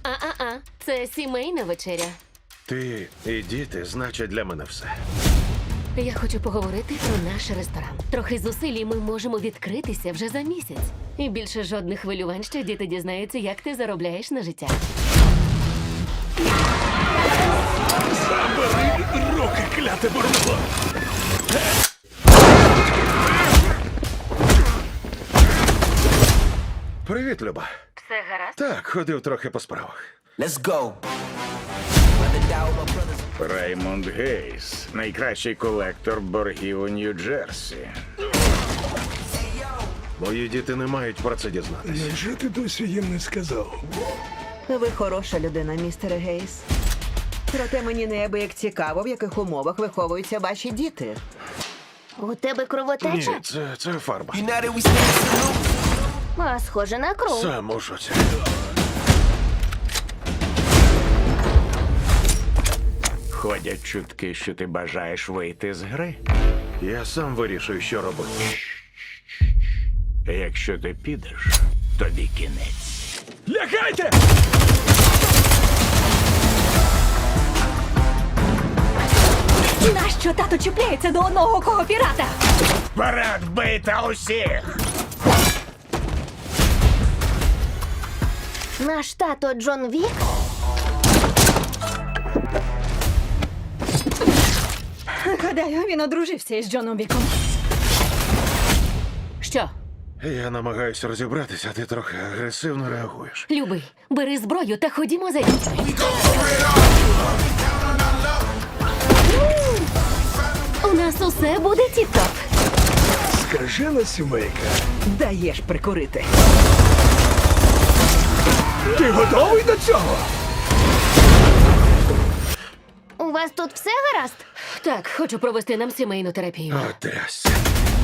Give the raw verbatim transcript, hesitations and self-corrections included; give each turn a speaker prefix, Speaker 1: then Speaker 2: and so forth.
Speaker 1: А-а-а, це сімейна вечеря.
Speaker 2: Ти і діти значать для мене все.
Speaker 1: Я хочу поговорити про наш ресторан. Трохи зусиль, і ми можемо відкритися вже за місяць. І більше жодних хвилювань, що діти дізнаються, як ти заробляєш на життя.
Speaker 3: Забери руки, кляте бурнуло!
Speaker 2: Привіт, Люба.
Speaker 1: Все гаразд?
Speaker 2: Так, ходив трохи по справах.
Speaker 4: Let's go.
Speaker 3: Раймонд Гейс, найкращий колектор боргів у Нью-Джерсі.
Speaker 2: Мої діти не мають про це дізнатися.
Speaker 5: Невже ти досі їм не сказав?
Speaker 6: Ви хороша людина, містере Гейс. Проте мені неабияк цікаво, в яких умовах виховуються ваші діти.
Speaker 7: У тебе кровотеча?
Speaker 2: Ні, це, це фарба.
Speaker 4: United we stand salute.
Speaker 7: А, схоже на кров.
Speaker 2: Сам у шоці.
Speaker 3: Ходять чутки, що ти бажаєш вийти з гри.
Speaker 2: Я сам вирішую, що робити.
Speaker 3: Якщо ти підеш, тобі кінець. Лягайте!
Speaker 1: Нащо тато чіпляється до одного кого пірата?
Speaker 3: Вперед, бийте усіх!
Speaker 7: Наш тато Джон Вік?
Speaker 1: Гадаю, він одружився із Джоном Віком. Що?
Speaker 2: Я намагаюся розібратися, а ти трохи агресивно реагуєш.
Speaker 1: Любий, бери зброю та ходімо за дітьми. У нас усе буде тіп-топ.
Speaker 5: Скажена сімейка.
Speaker 6: Даєш прикурити.
Speaker 5: Ти готовий до цього?
Speaker 7: У вас тут все гаразд?
Speaker 1: Так, хочу провести нам сімейну терапію.
Speaker 2: О, трясся.